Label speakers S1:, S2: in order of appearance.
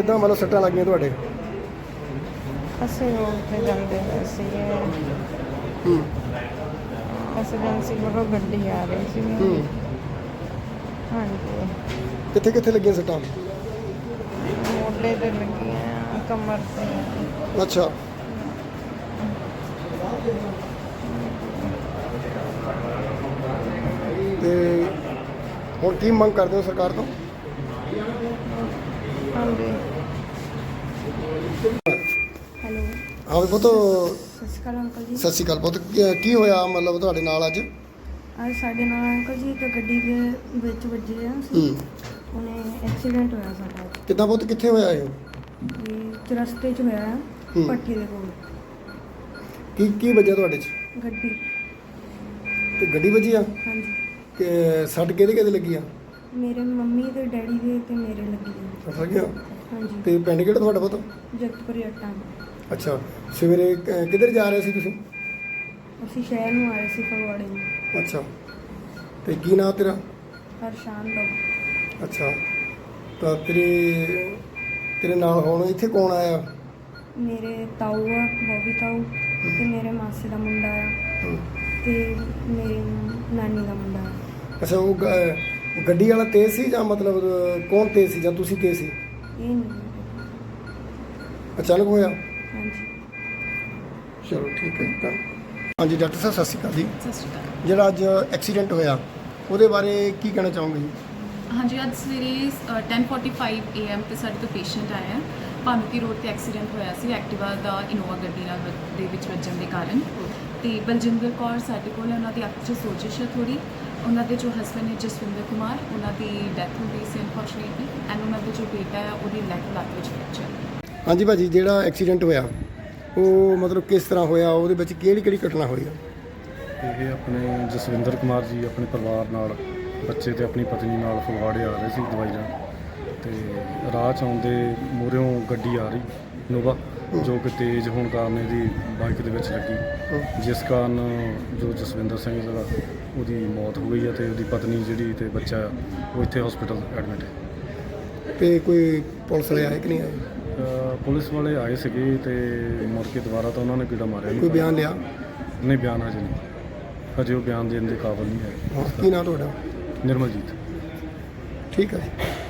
S1: ਕਿੱਦਾਂ ਮਤਲਬ ਸੱਟਾਂ ਲੱਗੀਆਂ ਤੁਹਾਡੇ?
S2: ਅਸੀਂ ਰੋਡ ਤੇ ਜਾਂਦੇ ਪਏ ਸੀਗੇ। ਐਮਰਜੈਂਸੀ ਵੱਲੋਂ ਗੱਡੀ ਆ ਰਹੀ ਸੀ। ਹਾਂਜੀ।
S1: ਕਿੱਥੇ ਕਿੱਥੇ ਲੱਗੀਆਂ ਸੱਟਾਂ?
S2: ਮੋਢੇ ਤੇ ਲੱਗੀਆਂ, ਕਮਰ ਤੇ।
S1: ਅੱਛਾ। ਤੇ ਹੁਣ ਕੀ ਮੰਗ ਕਰਦੇ ਹੋ ਸਰਕਾਰ ਤੋਂ?
S2: ਹਾਂਜੀ।
S3: ਹੈਲੋ,
S1: ਹਾਂ ਪੁੱਤ,
S3: ਸਤਿ ਸ਼੍ਰੀ ਅਕਾਲ ਅੰਕਲ ਜੀ।
S1: ਸਤਿ ਸ਼੍ਰੀ ਅਕਾਲ ਪੁੱਤ। ਕੀ ਹੋਇਆ ਮਤਲਬ ਤੁਹਾਡੇ ਨਾਲ ਅੱਜ?
S3: ਅੱਜ ਸਾਡੇ ਨਾਲ ਅੰਕਲ ਜੀ ਇੱਕ ਗੱਡੀ ਦੇ ਵਿੱਚ ਵੱਜੇ ਆ ਅਸੀਂ। ਉਹਨੇ ਐਕਸੀਡੈਂਟ ਹੋਇਆ ਸਾਡਾ।
S1: ਕਿੱਦਾਂ ਪੁੱਤ, ਕਿੱਥੇ ਹੋਇਆ ਇਹ?
S3: ਇਹ ਚੁਰਸਤੇ 'ਚ ਹੋਇਆ, ਭੱਠੀ ਦੇ ਕੋਲ।
S1: ਕੀ ਕੀ ਵੱਜਿਆ ਤੁਹਾਡੇ 'ਚ?
S3: ਗੱਡੀ।
S1: ਤੇ ਗੱਡੀ ਵੱਜੀ ਆ?
S3: ਹਾਂਜੀ।
S1: ਕਿ ਸੱਟ ਕਿਹਦੇ ਕਿਹਦੇ ਲੱਗੀ ਆ?
S3: ਮੇਰੇ ਮੰਮੀ ਤੇ ਡੈਡੀ ਦੇ ਤੇ ਮੇਰੇ ਲੱਗੀ ਆ।
S1: ਸੱਟ ਲੱਗਿਆ?
S3: ਹਾਂਜੀ।
S1: ਤੇ ਪਿੰਡ ਕਿਹੜਾ ਤੁਹਾਡਾ ਪੁੱਤ?
S3: ਜਗਤਪੁਰ ਜੱਟਾਂ।
S1: ਅੱਛਾ। ਸਵੇਰੇ ਕਿੱਧਰ ਜਾ ਰਹੇ ਸੀ ਤੁਸੀਂ?
S3: ਅਸੀਂ ਸ਼ਹਿਰ ਨੂੰ ਆਏ ਸੀ ਫਗਵਾੜੇ ਨੂੰ।
S1: ਅੱਛਾ। ਤੇ ਕੀ ਨਾਂ ਤੇਰਾ?
S3: ਹਰਸ਼ਾਨ ਤੋਂ।
S1: ਅੱਛਾ। ਤਾਂ ਤੇਰੇ ਨਾਲ ਹੁਣ ਇੱਥੇ ਕੌਣ ਆਇਆ?
S3: ਮੇਰੇ ਤਾਊ ਆ, ਬੋਬੀ ਤਾਊ, ਤੇ ਮੇਰੇ ਮਾਸੀ ਦਾ ਮੁੰਡਾ ਆ, ਤੇ ਮੇਰੀ ਨਾਨੀ ਦਾ ਮੁੰਡਾ ਆ।
S1: ਅੱਛਾ। ਉਹ ਗੱਡੀ ਵਾਲਾ ਤੇਜ਼ ਸੀ ਜਾਂ ਮਤਲਬ ਕੌਣ ਤੇਜ਼ ਸੀ, ਜਾਂ ਤੁਸੀਂ ਤੇਜ਼ ਸੀ?
S3: ਇਹ ਨਹੀਂ।
S1: ਅਚਾਨਕ ਹੋਇਆ?
S3: ਹਾਂਜੀ।
S1: ਚਲੋ ਠੀਕ ਹੈ। ਤਾਂ ਹਾਂਜੀ ਡਾਕਟਰ ਸਾਹਿਬ, ਸਤਿ ਸ਼੍ਰੀ ਅਕਾਲ ਜੀ।
S4: ਸਤਿ ਸ਼੍ਰੀ ਅਕਾਲ।
S1: ਜਿਹੜਾ ਅੱਜ ਐਕਸੀਡੈਂਟ ਹੋਇਆ ਉਹਦੇ ਬਾਰੇ ਕੀ ਕਹਿਣਾ ਚਾਹੋਗੇ ਜੀ?
S4: ਹਾਂਜੀ, ਅੱਜ ਸਵੇਰੇ 10:45 AM ਤੇ ਸਾਡੇ ਤੋਂ ਪੇਸ਼ੈਂਟ ਆਇਆ। ਭਾਨੂਕੀ ਰੋਡ ਤੇ ਐਕਸੀਡੈਂਟ ਹੋਇਆ ਸੀ ਐਕਟਿਵਾ ਦਾ ਇਨੋਵਾ ਗੱਡੀ ਨਾਲ ਦੇ ਵਿੱਚ ਵੱਜਣ ਦੇ ਕਾਰਨ। ਤੇ ਬਲਜਿੰਦਰ ਕੌਰ ਸਾਡੇ ਕੋਲ ਹੈ, ਉਹਨਾਂ ਦੀ ਅੱਖ 'ਚ ਸੋਜਿਸ਼ ਹੈ ਥੋੜ੍ਹੀ। ਉਹਨਾਂ ਦੇ ਜੋ ਹਸਬੈਂਡ ਨੇ ਜਸਵਿੰਦਰ ਕੁਮਾਰ, ਉਹਨਾਂ ਦੀ ਡੈਥ ਹੋ ਗਈ ਸੀ ਅਨਫੋਰਚੂਨੇਟਲੀ। ਐਂਡ ਉਹਨਾਂ ਦਾ ਜੋ ਬੇਟਾ ਹੈ ਉਹਦੀ ਲੱਤ ਵਿੱਚ ਫ੍ਰੈਕਚਰ।
S1: ਹਾਂਜੀ ਭਾਜੀ, ਜਿਹੜਾ ਐਕਸੀਡੈਂਟ ਹੋਇਆ ਉਹ ਮਤਲਬ ਕਿਸ ਤਰ੍ਹਾਂ ਹੋਇਆ? ਉਹਦੇ ਵਿੱਚ ਕਿਹੜੀ ਕਿਹੜੀ ਘਟਨਾ ਹੋਈ ਆ?
S5: ਇਹ ਆਪਣੇ ਜਸਵਿੰਦਰ ਕੁਮਾਰ ਜੀ ਆਪਣੇ ਪਰਿਵਾਰ ਨਾਲ, ਬੱਚੇ ਤੇ ਆਪਣੀ ਪਤਨੀ ਨਾਲ ਫਗਵਾੜੇ ਆ ਰਹੇ ਸੀ ਦਵਾਈ ਲੈਣ। ਤੇ ਰਾਹ 'ਚ ਆਉਂਦੇ ਮੂਹਰਿਓਂ ਗੱਡੀ ਆ ਰਹੀ ਇਨੋਵਾ, ਜੋ ਕਿ ਤੇਜ਼ ਹੋਣ ਕਾਰਨ ਇਹਦੀ ਬਾਈਕ ਦੇ ਵਿੱਚ ਲੱਗੀ, ਜਿਸ ਕਾਰਨ ਜੋ ਜਸਵਿੰਦਰ ਸਿੰਘ ਜਿਹੜਾ ਉਹਦੀ ਮੌਤ ਹੋ ਗਈ ਹੈ ਤੇ ਉਹਦੀ ਪਤਨੀ ਜਿਹੜੀ ਤੇ ਬੱਚਾ ਉਹ ਇੱਥੇ ਹਸਪੀਟਲ ਐਡਮਿਟ ਹੈ।
S1: ਤੇ ਕੋਈ ਪੁਲਿਸ ਵਾਲੇ ਆਏ ਕਿ ਨਹੀਂ ਆਏ?
S5: ਪੁਲਿਸ ਵਾਲੇ ਆਏ ਸੀਗੇ ਤੇ ਮੁੜ ਕੇ ਦੁਬਾਰਾ ਤਾਂ ਉਹਨਾਂ ਨੇ ਕੀੜਾ ਮਾਰਿਆ ਨਹੀਂ।
S1: ਕੋਈ ਬਿਆਨ ਲਿਆ?
S5: ਨਹੀਂ, ਬਿਆਨ ਹਜੇ ਨਹੀਂ, ਹਜੇ ਉਹ ਬਿਆਨ ਦੇਣ ਦੇ ਕਾਬਿਲ ਨਹੀਂ ਹੈ।
S1: ਕੀ ਨਾਂ ਤੁਹਾਡਾ?
S5: ਨਿਰਮਲਜੀਤ।
S1: ਠੀਕ ਹੈ ਜੀ।